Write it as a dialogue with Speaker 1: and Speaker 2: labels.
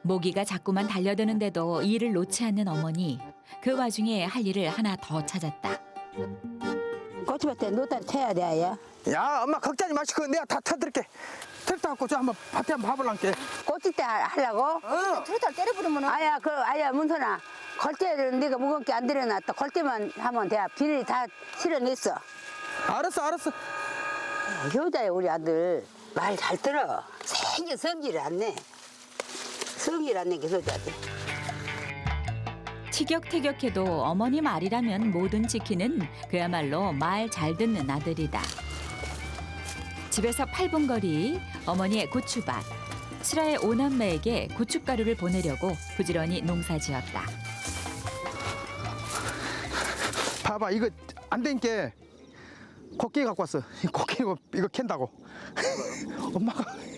Speaker 1: 모기가 자꾸만 달려드는데도 일을 놓지 않는 어머니. 그 와중에 할 일을 하나 더 찾았다.
Speaker 2: 고추밭에 노다리 태야 돼, 아야.
Speaker 3: 야, 엄마 걱정하지 마시고 내가 다 터드릴게. 트랙터 갖고 저 한번 밭에 한번 봐볼란게.
Speaker 2: 고칠 때 하려고?
Speaker 4: 트루탈 때려 부르면
Speaker 2: 아야, 아야, 문선아. 걸대를 네가 무겁게 안 들여놨다. 걸대만 하면 돼. 비닐이 다 실어냈어.
Speaker 3: 알았어.
Speaker 2: 효자야, 우리 아들. 말 잘 들어. 생겨 성질을 안 내. 성질 안 내게 효자지.
Speaker 1: 티격태격해도 어머니 말이라면 뭐든 지키는 그야말로 말 잘 듣는 아들이다. 집에서 8분 거리 어머니의 고추밭. 슬아의 오남매에게 고춧가루를 보내려고 부지런히 농사지었다.
Speaker 3: 봐봐, 이거 안 되니까 코끼리 갖고 왔어. 코끼리 이거 캔다고. 엄마가